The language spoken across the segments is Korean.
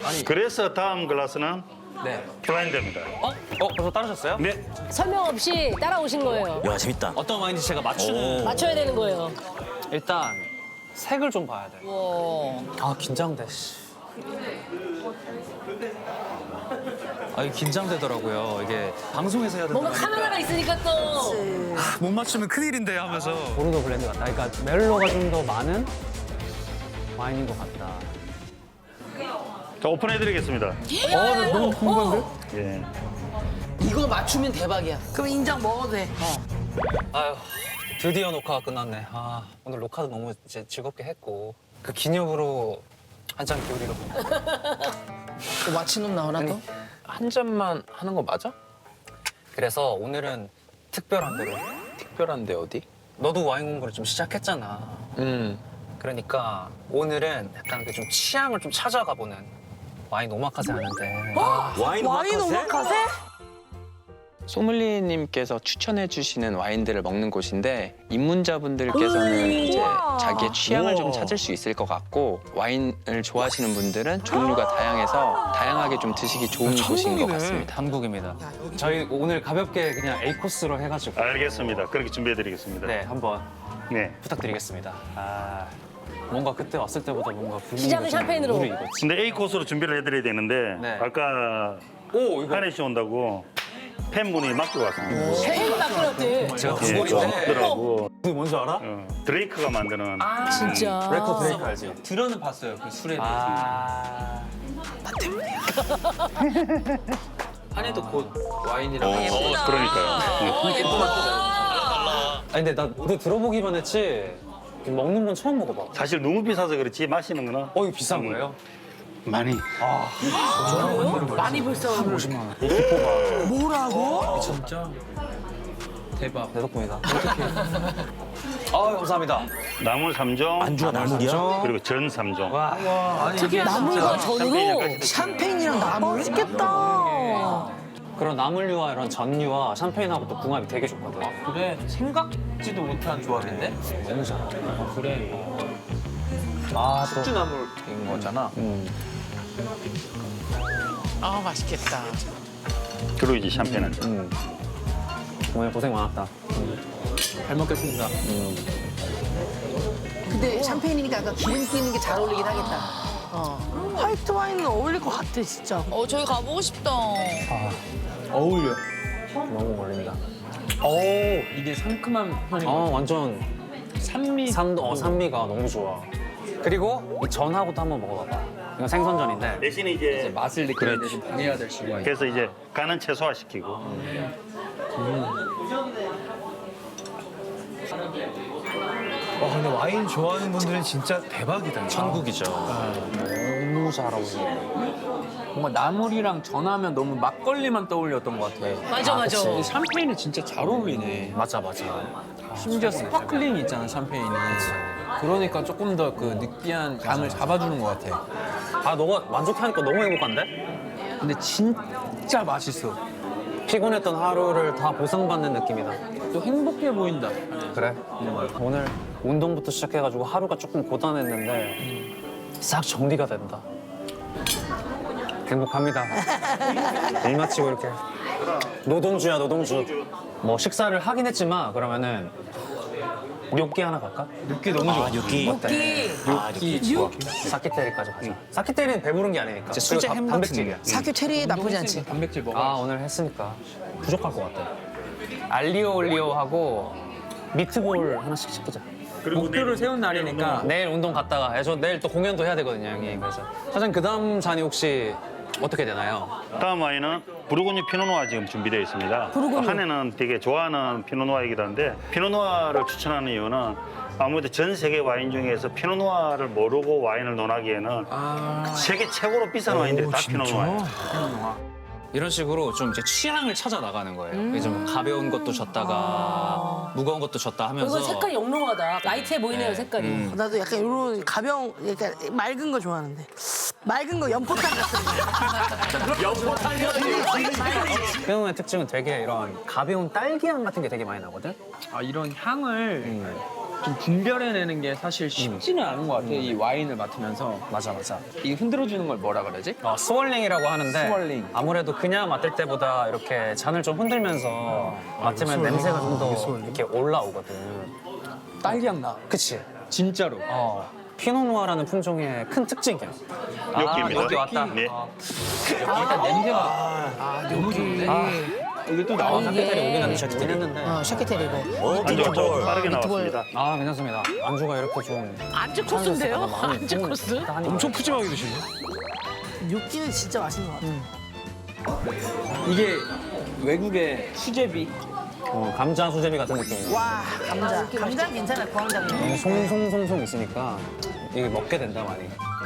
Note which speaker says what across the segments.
Speaker 1: 그래서 다음 글라스는
Speaker 2: 네.
Speaker 1: 블라인드입니다.
Speaker 2: 벌써 따르셨어요?
Speaker 1: 네.
Speaker 3: 설명 없이 따라오신 거예요.
Speaker 4: 야, 재밌다.
Speaker 2: 어떤 와인인지 제가 맞추는.
Speaker 3: 맞춰야 되는 거예요.
Speaker 2: 일단 색을 좀 봐야 돼. 아 긴장돼. 아 이게 긴장되더라고요. 이게 방송에서 해야 된다.
Speaker 3: 뭔가 카메라가 있으니까 또.
Speaker 2: 못 맞추면 큰일인데 하면서. 보르도 블렌드 같다. 그러니까 멜로가 좀 더 많은 와인인 것 같다.
Speaker 1: 자, 오픈해드리겠습니다.
Speaker 2: 너무 궁금한데?
Speaker 1: 예.
Speaker 5: 이거 맞추면 대박이야. 그럼 인정 먹어도 돼.
Speaker 2: 아유 드디어 녹화가 끝났네. 아 오늘 녹화도 너무 이제 즐겁게 했고 그 기념으로 한 잔 기울이러.
Speaker 5: 또 마치놈 나오나 또?
Speaker 6: 한 잔만 하는 거 맞아?
Speaker 2: 그래서 오늘은 특별한 대로.
Speaker 6: 특별한데 어디?
Speaker 2: 너도 와인 공부를 좀 시작했잖아. 그러니까 오늘은 약간 그 좀 취향을 좀 찾아가 보는 와인 오마카세 하는데.
Speaker 4: 와인 오마카세?
Speaker 6: 소믈리에님께서 추천해 주시는 와인들을 먹는 곳인데 입문자분들께서는 이제 자기의 취향을 좀 찾을 수 있을 것 같고 와인을 좋아하시는 분들은 종류가 다양해서 다양하게 좀 드시기 좋은 곳인 것 같습니다.
Speaker 2: 한국입니다. 저희 오늘 가볍게 그냥 A 코스로 해가지고
Speaker 1: 알겠습니다. 그렇게 준비해드리겠습니다.
Speaker 2: 네 한번
Speaker 1: 네.
Speaker 2: 부탁드리겠습니다. 아 뭔가 그때 왔을 때보다 뭔가 분위기가
Speaker 3: 시작은
Speaker 2: 좀
Speaker 3: 샴페인으로.
Speaker 2: 무르익었지.
Speaker 1: 근데 A 코스로 준비를 해드려야 되는데
Speaker 2: 네.
Speaker 1: 아까
Speaker 2: 오 이거
Speaker 1: 한혜 씨 온다고 팬분이 맡기고 왔습니다.
Speaker 3: 세일 바꾸었대.
Speaker 2: 제가
Speaker 1: 예,
Speaker 2: 구글인데
Speaker 1: 없더라고.
Speaker 2: 그 뭔지 알아?
Speaker 1: 드레이크가 만드는
Speaker 3: 진짜.
Speaker 2: 레코 드레이크 알지?
Speaker 7: 들어는 봤어요. 그 술에 대해서.
Speaker 2: 아
Speaker 7: 한해도 곧 와인이라고.
Speaker 1: 그러니까요.
Speaker 2: 아니 근데 나 모두 들어보기만 했지 먹는 건 처음 먹어봐.
Speaker 1: 사실 너무 비싸서 그렇지 마시는 거는
Speaker 2: 어 이거 비싼 거예요?
Speaker 1: 많이.
Speaker 5: 많이 벌써.
Speaker 2: 50만 원.
Speaker 5: 뭐라고?
Speaker 7: 진짜 대박.
Speaker 2: 내 덕분이다. 어떡해. 아 감사합니다.
Speaker 1: 나물 3종
Speaker 4: 안주가 나물이야?
Speaker 1: 그리고 전 3종.
Speaker 7: 아니 이게
Speaker 3: 나물과 전으로.
Speaker 5: 샴페인이랑 나물? 맛있겠다.
Speaker 2: 그런 나물류와 이런 전류와 샴페인하고 또 궁합이 되게 좋거든.
Speaker 7: 그래 생각지도 못한 조합인데.
Speaker 2: 너무 잘.
Speaker 7: 그래.
Speaker 2: 아 또.
Speaker 7: 숙주나물인 거잖아.
Speaker 5: 아 맛있겠다.
Speaker 1: 그리고 이제 샴페인 한 잔.
Speaker 2: 오늘 고생 많았다.
Speaker 7: 잘 먹겠습니다.
Speaker 5: 근데 샴페인이니까 약간 기름기 있는 게 잘 어울리긴 하겠다. 화이트 와인은 어울릴 것 같아 진짜.
Speaker 8: 저희 가보고 싶다.
Speaker 7: 어울려.
Speaker 2: 너무 어울린다.
Speaker 7: 이게 상큼한 편인 거.
Speaker 2: 완전
Speaker 7: 산미.
Speaker 2: 산미가 너무 좋아. 그리고 이 전하고도 한번 먹어봐봐. 이건 생선전인데.
Speaker 1: 대신에 이제
Speaker 7: 맛을 느끼는데 좀 방해가 될 수가 있어.
Speaker 1: 그래서 이제 간은 최소화시키고
Speaker 9: 와 근데 와인 좋아하는 분들은 진짜 대박이다.
Speaker 2: 천국이죠. 너무 잘 어울려.
Speaker 7: 뭔가 나물이랑 전하면 너무 막걸리만 떠올렸던 것 같아.
Speaker 3: 맞아, 맞아.
Speaker 7: 근데 샴페인이 진짜 잘 어울리네.
Speaker 2: 맞아 맞아.
Speaker 7: 심지어 스파클링이 있잖아 샴페인이. 그러니까 조금 더 그 느끼한 감을 잡아주는 것 같아.
Speaker 2: 아 너가 만족하니까 너무 행복한데?
Speaker 7: 근데 진짜 맛있어.
Speaker 2: 피곤했던 하루를 다 보상받는 느낌이다.
Speaker 7: 또 행복해 보인다.
Speaker 2: 그래? 오늘 운동부터 시작해가지고 하루가 조금 고단했는데 싹 정리가 된다. 행복합니다. 일 마치고 이렇게 노동주야 노동주. 뭐 식사를 하긴 했지만 그러면은 뇨끼 하나 갈까?
Speaker 7: 느끼 너무 좋아.
Speaker 4: 육기.
Speaker 2: 어때?
Speaker 4: 육기.
Speaker 2: 좋아. 사키테리까지 가자. 사키테리는 배부른 게 아니니까.
Speaker 6: 수제
Speaker 2: 그리고
Speaker 6: 햄
Speaker 2: 단백질이야.
Speaker 5: 사큐 체리 나쁘지 않지.
Speaker 7: 단백질 먹어.
Speaker 2: 아 오늘 했으니까 부족할 것 같아. 알리오 올리오하고 미트볼 하나씩 시키자.
Speaker 7: 목표를 세운 날이니까
Speaker 2: 내일 운동 갔다가 저 내일 또 공연도 해야 되거든요 형님. 그래서 사장님 그 다음 잔이 혹시 어떻게 되나요?
Speaker 1: 다음 와인은 부르고뉴 피노누아 지금 준비되어 있습니다. 한해는 되게 좋아하는 피노누아이기도 한데 피노누아를 추천하는 이유는 아무래도 전 세계 와인 중에서 피노누아를 모르고 와인을 논하기에는 세계 최고로 비싼 와인들이 다 피노누아예요.
Speaker 6: 이런 식으로 좀 이제 취향을 찾아 나가는 거예요. 이제 뭐 가벼운 것도 줬다가 무거운 것도 줬다 하면서.
Speaker 3: 이거 색깔이 영롱하다. 라이트해 보이네요, 색깔이.
Speaker 5: 나도 약간 이런 가벼운, 약간 맑은 거 좋아하는데. 맑은 거 연포탕 같은 거.
Speaker 2: 피노의 특징은 되게 이런 가벼운 딸기향 같은 게 되게 많이 나거든.
Speaker 7: 이런 향을 좀 분별해내는 게 사실 쉽지는 않은 것 같아. 이 와인을 맡으면서.
Speaker 2: 맞아.
Speaker 7: 이 흔들어주는 걸 뭐라 그러지?
Speaker 2: 스월링이라고 하는데
Speaker 7: 스월링.
Speaker 2: 아무래도 그냥 맡을 때보다 이렇게 잔을 좀 흔들면서 맡으면 냄새가 좀 더 이렇게 올라오거든.
Speaker 7: 딸기향 나.
Speaker 2: 그치?
Speaker 7: 진짜로.
Speaker 2: 피노누아라는 품종의 큰 특징이야.
Speaker 1: 여기입니다.
Speaker 2: 여기 왔다.
Speaker 1: 네.
Speaker 7: 일단 냄새가 너무 좋은데? 이게 또 나와.
Speaker 2: 샤케테리 오긴 한데 샤케테리 했는데.
Speaker 3: 샤케테리 이거.
Speaker 1: 안주가 좀 빠르게 나왔습니다.
Speaker 2: 괜찮습니다. 안주가 이렇게 좀
Speaker 5: 안주 코스인데요?
Speaker 2: 마음이
Speaker 5: 안주
Speaker 2: 좀
Speaker 5: 코스?
Speaker 9: 엄청 푸짐하게 드시네.
Speaker 5: 뇨끼는 진짜 맛있는 것 같아.
Speaker 7: 이게 외국의 수제비.
Speaker 2: 감자 수제비 같은 느낌이야.
Speaker 5: 와, 감자. 감자는 괜찮아, 구황작물.
Speaker 2: 송송송송 있으니까 이게 먹게 된다 많이.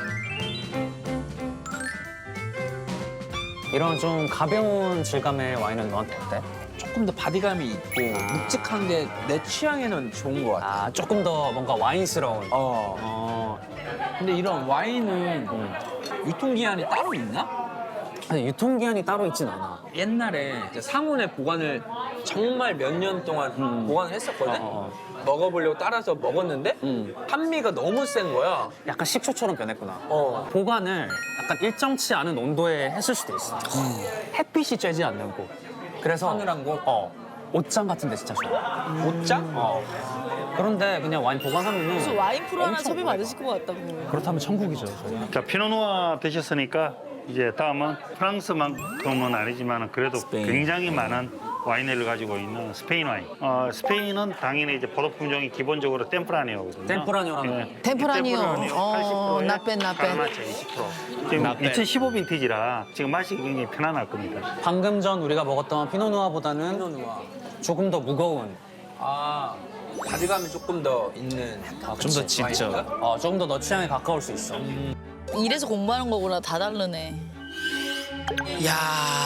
Speaker 2: 이런 좀 가벼운 질감의 와인은 너한테 어때?
Speaker 7: 조금 더 바디감이 있고 묵직한 게 내 취향에는 좋은 것 같아.
Speaker 2: 조금 더 뭔가 와인스러운.
Speaker 7: 근데 이런 와인은 유통기한이 따로 있나?
Speaker 2: 아니, 유통기한이 따로 있진 않아.
Speaker 7: 옛날에 이제 상온에 보관을 정말 몇 년 동안 보관을 했었거든? 먹어보려고 따라서 먹었는데 산미가 너무 센 거야.
Speaker 2: 약간 식초처럼 변했구나.
Speaker 7: 보관을
Speaker 2: 약간 일정치 않은 온도에 했을 수도 있어. 햇빛이 쬐지 않는 곳. 그래서
Speaker 7: 서늘한 곳?
Speaker 2: 옷장 같은 데 진짜 좋아.
Speaker 7: 옷장?
Speaker 2: 그런데 그냥 와인 보관하면은
Speaker 3: 무슨 와인 프로 하나 섭외 받으실 것 같다고.
Speaker 2: 그렇다면 천국이죠.
Speaker 1: 자, 피노누아 드셨으니까 이제 다음은 프랑스만큼은 아니지만 그래도 굉장히 많은 와인을 가지고 있는 스페인 와인. 스페인은 당연히 이제 포도 품종이 기본적으로 템프라니오거든요.
Speaker 2: 템프라니오라는
Speaker 3: 템프라니오.
Speaker 1: 80%에
Speaker 3: 나빼.
Speaker 1: 가르나차 20%. 지금 2015 빈티지라 지금 맛이 굉장히 편안할 겁니다.
Speaker 2: 방금 전 우리가 먹었던 피노누아보다는
Speaker 7: 피노누아.
Speaker 2: 조금 더 무거운,
Speaker 7: 바디감이 조금 더 있는.
Speaker 2: 좀 더 짙죠. 조금 더 너 취향에 가까울 수 있어.
Speaker 3: 이래서 공부하는 거구나. 다 다르네.
Speaker 5: 야.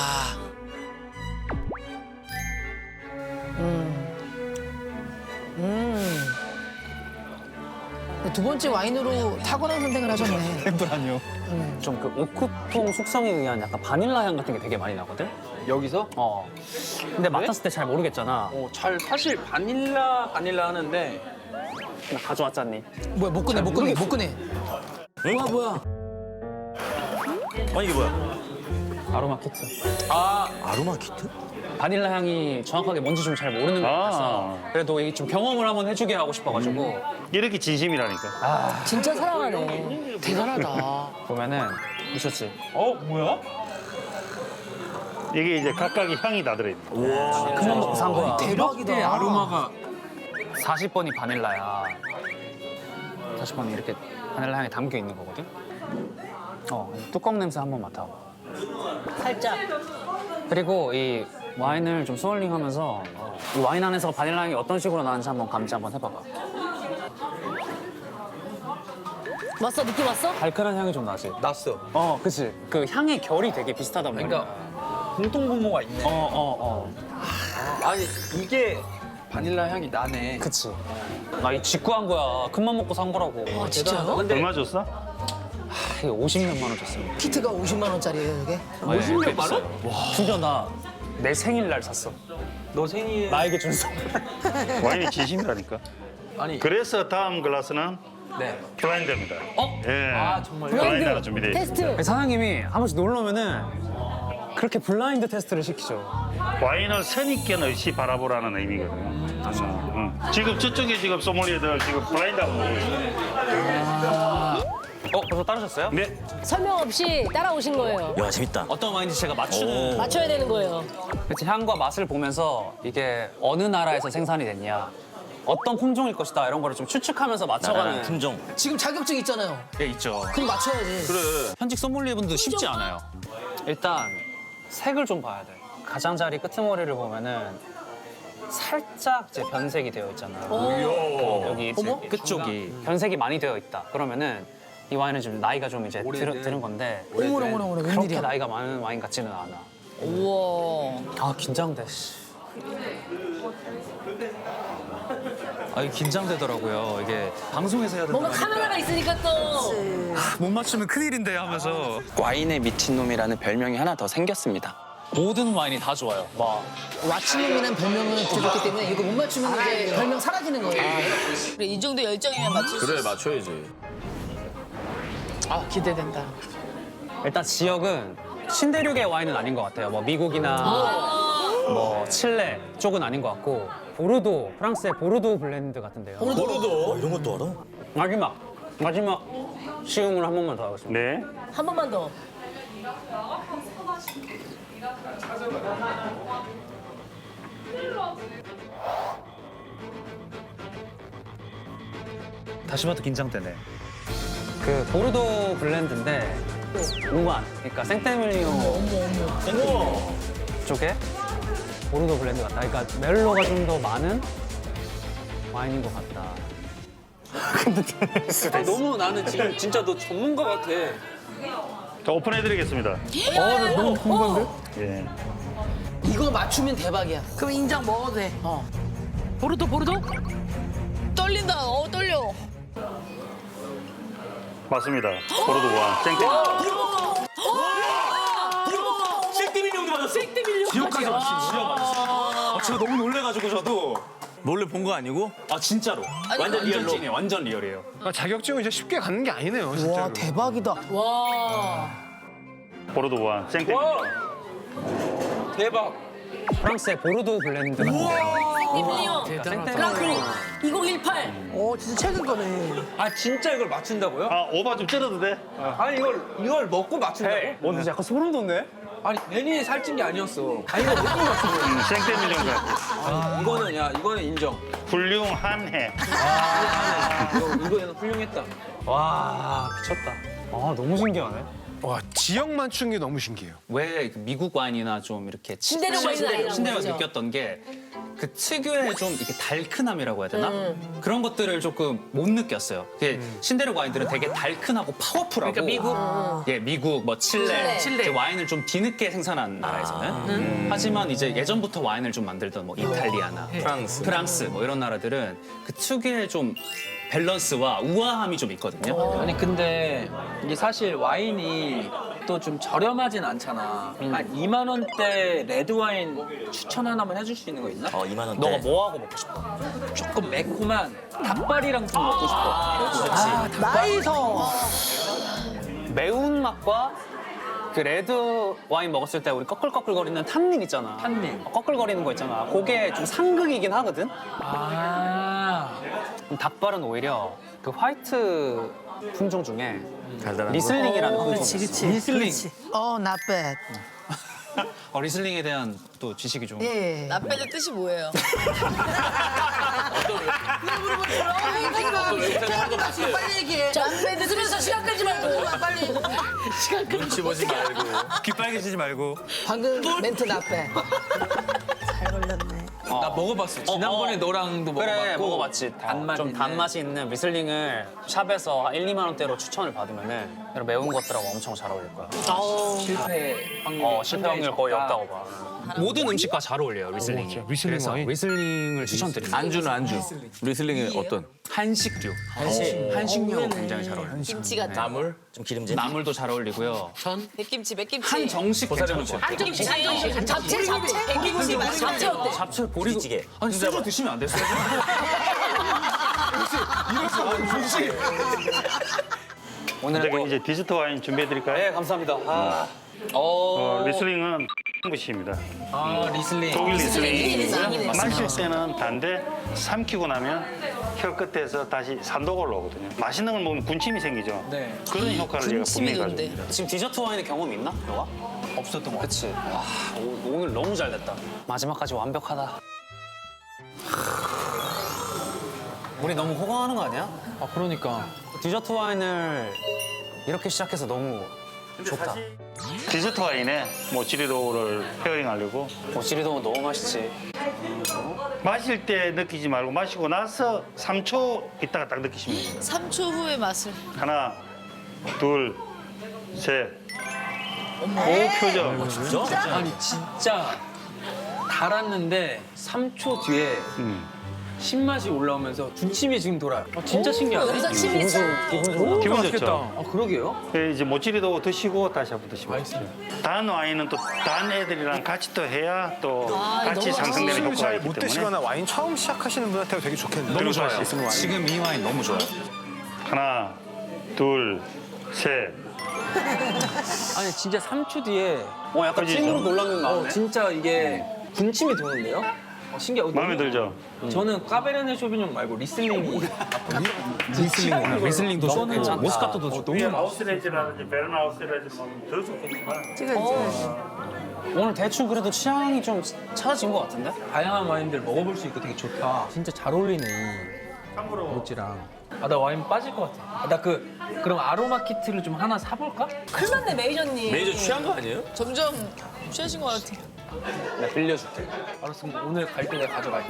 Speaker 3: 두 번째 와인으로 탁월한 선택을 하셨네.
Speaker 2: 템프라니오. 좀 그 오크통 숙성에 의한 약간 바닐라 향 같은 게 되게 많이 나거든?
Speaker 7: 여기서?
Speaker 2: 근데 맡았을 때 잘 모르겠잖아.
Speaker 7: 사실 바닐라 하는데
Speaker 2: 나 가져왔잖니.
Speaker 3: 뭐야 못 꺼내. 뭐야.
Speaker 4: 아니 이게 뭐야?
Speaker 2: 아로마 키트.
Speaker 4: 아로마 키트?
Speaker 2: 바닐라 향이 정확하게 뭔지 좀 잘 모르는 것 같아서 그래도 이게 좀 경험을 한번 해주게 하고 싶어가지고
Speaker 1: 이렇게 진심이라니까.
Speaker 3: 진짜 사랑하네. 대단하다.
Speaker 2: 보면은 미쳤지.
Speaker 7: 뭐야?
Speaker 1: 이게 이제 각각의 향이 다 들어있는 거예요.
Speaker 2: 그만 먹고 산 거야.
Speaker 7: 대박이다. 아로마가
Speaker 2: 40번이 바닐라야. 40번이 이렇게 바닐라 향이 담겨 있는 거거든. 뚜껑 냄새 한번 맡아봐.
Speaker 3: 살짝.
Speaker 2: 그리고 이 와인을 좀 스월링하면서 이 와인 안에서 바닐라 향이 어떤 식으로 나는지 한번 감지 한번 해봐봐.
Speaker 3: 왔어? 느낌 왔어?
Speaker 2: 달큰한 향이 좀 나지?
Speaker 7: 났어.
Speaker 2: 그치. 그 향의 결이 되게 비슷하단 말이야.
Speaker 7: 그러니까 공통분모가 있네. 아니 이게 바닐라 향이 나네.
Speaker 2: 그치. 나 이 직구한 거야. 큰맘 먹고 산 거라고.
Speaker 3: 진짜요?
Speaker 7: 근데
Speaker 1: 얼마 줬어?
Speaker 2: 이게 50몇만 원 줬습니다.
Speaker 3: 키트가 50만 원짜리예요, 이게?
Speaker 2: 50몇만 원? 와. 심지어 나 내 생일날 샀어.
Speaker 7: 너 생일
Speaker 2: 나에게 준 선물.
Speaker 1: 와인이 진심이라니까.
Speaker 7: 아니
Speaker 1: 그래서 다음 글라스는
Speaker 7: 네.
Speaker 1: 블라인드입니다. 예.
Speaker 7: 정말
Speaker 1: 블라인드가 준비되어 있습니다.
Speaker 3: 테스트.
Speaker 2: 사장님이 한 번씩 놀러 오면은 그렇게 블라인드 테스트를 시키죠.
Speaker 1: 와인을 선입견 없이 바라보라는 의미거든요. 지금 저쪽에 지금 소믈리에들 지금 블라인드하고 놀고 있어요.
Speaker 2: 벌써 따르셨어요?
Speaker 1: 네.
Speaker 3: 설명 없이 따라오신 거예요.
Speaker 4: 야 재밌다.
Speaker 2: 어떤 와인인지 제가 맞추는.
Speaker 3: 맞춰야 되는 거예요.
Speaker 2: 그치, 향과 맛을 보면서 이게 어느 나라에서 생산이 됐냐, 어떤 품종일 것이다 이런 거를 좀 추측하면서 맞춰가는
Speaker 4: 품종.
Speaker 3: 지금 자격증 있잖아요.
Speaker 2: 게 있죠.
Speaker 3: 그럼 맞춰야지.
Speaker 2: 현직 소믈리에분도 쉽지 않아요. 일단 색을 좀 봐야 돼. 가장자리 끄트머리를 보면은 살짝 이제 변색이 되어 있잖아요. 여기 이제 끝쪽이 변색이 많이 되어 있다. 그러면은 이 와인은 지금 나이가 좀 이제 들은 건데
Speaker 3: 어머나,
Speaker 2: 그렇게
Speaker 3: 웬일이야.
Speaker 2: 나이가 많은 와인 같지는 않아.
Speaker 3: 우와.
Speaker 2: 긴장돼. 이게 긴장되더라고요. 이게 방송에서 해야
Speaker 3: 뭔가 카메라가 있으니까 또.
Speaker 2: 못 맞추면 큰일인데 하면서.
Speaker 6: 와인의 미친놈이라는 별명이 하나 더 생겼습니다.
Speaker 2: 모든 와인이 다 좋아요. 막
Speaker 3: 왓츠놈이란 별명을 들었기 때문에 이거 못 맞추면 이제 별명 사라지는 거예요.
Speaker 8: 그래, 이 정도 열정이면 맞출 수
Speaker 4: 그래
Speaker 8: 있어.
Speaker 4: 맞춰야지.
Speaker 3: 아 기대된다.
Speaker 2: 일단 지역은 신대륙의 와인은 아닌 것 같아요. 뭐 미국이나 뭐 칠레 쪽은 아닌 것 같고 보르도, 프랑스의 보르도 블렌드 같은데요.
Speaker 4: 보르도 이런 것도 알아?
Speaker 2: 마지막 시음을 한 번만 더 하겠습니다.
Speaker 1: 네.
Speaker 8: 한 번만 더.
Speaker 9: 다시 봐도 긴장되네.
Speaker 2: 그 보르도 블렌드인데 우만, 그러니까 생테밀리오 쪽에 보르도 블렌드 같다. 그러니까 멜로가 좀 더 많은 와인인 것 같다.
Speaker 7: 너무 나는 지금 진짜 너 전문가 같아.
Speaker 1: 자, 오픈해드리겠습니다.
Speaker 3: 너무 궁금한데?
Speaker 1: 예.
Speaker 3: 이거 맞추면 대박이야.
Speaker 5: 그럼 인정 먹어도 돼.
Speaker 3: 보르도?
Speaker 8: 떨린다. 떨려.
Speaker 1: 맞습니다. 보르도 와인. 쨍쨍.
Speaker 4: 생떼밀리온도 맞았어.
Speaker 9: 지역까지 맞추신 지역 맞았어. 제가 너무 놀래가지고 저도.
Speaker 4: 몰래 본 거 아니고?
Speaker 9: 아 진짜로.
Speaker 4: 완전 리얼로.
Speaker 9: 찐이에요. 완전 리얼이에요. 자격증은 이제 쉽게 갖는 게 아니네요, 진짜로.
Speaker 3: 와 대박이다.
Speaker 8: 와.
Speaker 1: 보르도 와인. 쨍쨍.
Speaker 7: 와 대박.
Speaker 2: 프랑스의 보르도 블렌드 같은데요.
Speaker 8: 밀리언. 그랑크루 2018.
Speaker 5: 진짜 최근 거네.
Speaker 7: 아 진짜 이걸 맞춘다고요?
Speaker 1: 아, 오바 좀 찌르도 돼?
Speaker 7: 아니 이걸 먹고 맞춘다고?
Speaker 2: 근데 약간 소름 돋네?
Speaker 7: 아니 괜히 살찐 게 아니었어. 아니 이거 먹고 맞춘 거야.
Speaker 1: 생떼밀리온 같아.
Speaker 7: 이거는 인정.
Speaker 1: 훌륭한해.
Speaker 7: 이거는 훌륭했다.
Speaker 2: 와 미쳤다. 아 너무 신기하네.
Speaker 9: 와, 지역 맞춘 게 너무 신기해요.
Speaker 2: 왜 미국 와인이나 좀 이렇게
Speaker 8: 신대륙 와인은 아니라고
Speaker 2: 신대륙
Speaker 8: 그러죠.
Speaker 2: 느꼈던 게 그 특유의 좀 이렇게 달큰함이라고 해야 되나? 그런 것들을 조금 못 느꼈어요. 신대륙 와인들은 되게 달큰하고 파워풀하고.
Speaker 8: 그러니까 미국?
Speaker 2: 예, 미국, 뭐 칠레.
Speaker 8: 칠레.
Speaker 2: 이제 와인을 좀 뒤늦게 생산한 나라에서는. 하지만 이제 예전부터 와인을 좀 만들던 뭐 이탈리아나 프랑스 뭐 이런 나라들은 그 특유의 좀 밸런스와 우아함이 좀 있거든요.
Speaker 7: 아니 근데 이게 사실 와인이 또 좀 저렴하진 않잖아. 한 2만 원대 레드 와인 추천 하나만 해줄 수 있는 거 있나?
Speaker 4: 2만 원대.
Speaker 2: 너가 뭐 하고 먹고 싶어?
Speaker 7: 조금 매콤한 닭발이랑 좀 먹고 싶어.
Speaker 5: 나이서.
Speaker 2: 매운 맛과 그 레드 와인 먹었을 때 우리 꺼끌꺼끌거리는 탄닌 있잖아.
Speaker 7: 탄닌.
Speaker 2: 꺼끌거리는 거 있잖아. 그게 좀 상극이긴 하거든. 닭발은 오히려 그 화이트 품종 중에
Speaker 4: 달달한
Speaker 2: 리슬링이라는 품종.
Speaker 7: 리슬링.
Speaker 5: not bad.
Speaker 2: 리슬링에 대한 또 지식이 좀.
Speaker 5: 예.
Speaker 8: 나빼의 뜻이 뭐예요?
Speaker 5: 빨리 얘기해.
Speaker 8: 나빼 늦으면서 시간 끌지 말고. 빨리.
Speaker 4: 눈치 보지 말고.
Speaker 9: 귀 빨개지지 말고.
Speaker 3: 방금 멘트 나빼.
Speaker 5: 잘 걸렸네.
Speaker 7: 나 먹어봤어. 지난번에 너랑도 먹어봤고.
Speaker 2: 그래 먹어봤지.
Speaker 7: 단맛
Speaker 2: 좀
Speaker 7: 있는.
Speaker 2: 단맛이 있는 리슬링을 샵에서 한 1, 2만 원대로 추천을 받으면은 이런 매운 것들하고 엄청 잘 어울릴 거야.
Speaker 7: 실패 확률이
Speaker 2: 실패 확률 거의 없다고 봐. 모든 음식과 잘 어울려요 리슬링이.
Speaker 9: 진짜? 리슬링
Speaker 2: 그래서
Speaker 9: 와인?
Speaker 2: 리슬링을 추천드립니다.
Speaker 4: 안주는 안주. 리슬링이 어떤?
Speaker 2: 한식류. 한식류 굉장히 잘 어울려요.
Speaker 8: 김치 같은.
Speaker 4: 나물? 좀 기름진?
Speaker 2: 나물도 잘 어울리고요.
Speaker 8: 백김치.
Speaker 2: 한정식 괜찮을 것 같아요.
Speaker 8: 한정식. 잡채. 백김치. 잡채 어때?
Speaker 2: 잡채 보리고.
Speaker 4: 부리찌개.
Speaker 2: 아니 소주 드시면 안 됐어요. 오늘은
Speaker 1: 저기
Speaker 2: 또.
Speaker 1: 이제 디저트 와인 준비해드릴까요?
Speaker 2: 네 감사합니다.
Speaker 1: 리슬링은 것입니다.
Speaker 7: 리슬링.
Speaker 1: 독일 리슬링.
Speaker 8: 리슬링이네.
Speaker 1: 마실 때는 단데 삼키고 나면 혀 끝에서 다시 산도가 올라오거든요. 맛있는 걸 먹으면 군침이 생기죠.
Speaker 7: 네.
Speaker 1: 그런 효과를 얘가
Speaker 8: 군침이
Speaker 1: 분명히 가지고
Speaker 8: 돈대.
Speaker 1: 있습니다.
Speaker 2: 지금 디저트 와인의 경험 있나? 너가? 없었던 거. 그치. 와 오늘 너무 잘 됐다. 마지막까지 완벽하다. 우리 너무 호강하는 거 아니야?
Speaker 7: 아 그러니까.
Speaker 2: 디저트 와인을 이렇게 시작해서 너무 좋다.
Speaker 1: 디저트 와인에 모찌리도를 페어링하려고
Speaker 2: 모찌리도 너무 맛있지.
Speaker 1: 마실 때 느끼지 말고 마시고 나서 3초 있다가 딱 느끼시면 돼요.
Speaker 8: 3초 후의 맛을.
Speaker 1: 하나, 둘, 셋. 오 표정.
Speaker 7: 아니 진짜 달았는데 3초 뒤에 신맛이 올라오면서 군침이 지금 돌아요. 진짜 신기하네.
Speaker 8: 여기서 침이 싹.
Speaker 1: 기분 좋죠.
Speaker 7: 그러게요.
Speaker 1: 이제 모찌리도 드시고 다시 한번 드시면 단 와인은 또 단 애들이랑 같이 또 해야 또 같이 상승되는
Speaker 9: 술을
Speaker 1: 효과가
Speaker 9: 잘
Speaker 1: 있기
Speaker 9: 못
Speaker 1: 때문에
Speaker 9: 드시거나 와인 처음 시작하시는 분한테 되게 좋겠네요.
Speaker 1: 너무 좋아요.
Speaker 4: 지금 이 와인 너무 좋아요.
Speaker 1: 하나, 둘, 셋.
Speaker 7: 아니 진짜 3초 뒤에
Speaker 2: 약간
Speaker 1: 그지?
Speaker 2: 찐으로 놀라는 마음에.
Speaker 7: 진짜 이게 군침이 도는데요? 신기하고
Speaker 1: 마음에 들죠?
Speaker 7: 저는 까베르네 쇼비뇽 말고 리슬링이
Speaker 9: 리슬링도 좋고
Speaker 2: 모스카토도 좋고.
Speaker 1: 아우스레즈라든지 베르나 아우스레즈 먹으면 더 좋겠지만
Speaker 5: 찍어야지.
Speaker 2: 오늘 대충 그래도 취향이 좀 찾아진 것 같은데?
Speaker 7: 다양한 와인들 먹어볼 수 있고 되게 좋다. 진짜 잘 어울리네. 모찌랑. 나 와인 빠질 것 같아. 나 그럼 아로마 키트를 좀 하나 사볼까?
Speaker 8: 큰일 났네, 메이저님.
Speaker 4: 메이저 취한 거 아니에요?
Speaker 8: 점점 취하신 것 같아.
Speaker 7: 내가 빌려줄게. 알았어, 그럼 오늘 갈 때 내가 가져갈게.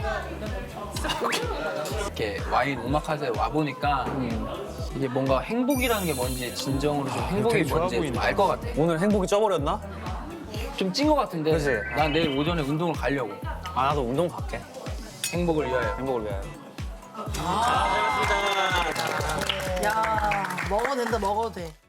Speaker 7: 이렇게 와인 오마카세 와 보니까 이게 뭔가 행복이라는 게 뭔지 진정으로 좀 행복이
Speaker 9: 되게 좋아
Speaker 7: 뭔지
Speaker 9: 보인다.
Speaker 7: 알 것 같아.
Speaker 2: 오늘 행복이 쪄버렸나?
Speaker 7: 좀 찐 것 같은데.
Speaker 2: 그치?
Speaker 7: 난 내일 오전에 운동을 가려고.
Speaker 2: 나도 운동 갈게.
Speaker 7: 행복을 위하여.
Speaker 2: 행복을 위하여.
Speaker 5: 야, 먹어도 된다, 먹어도 돼.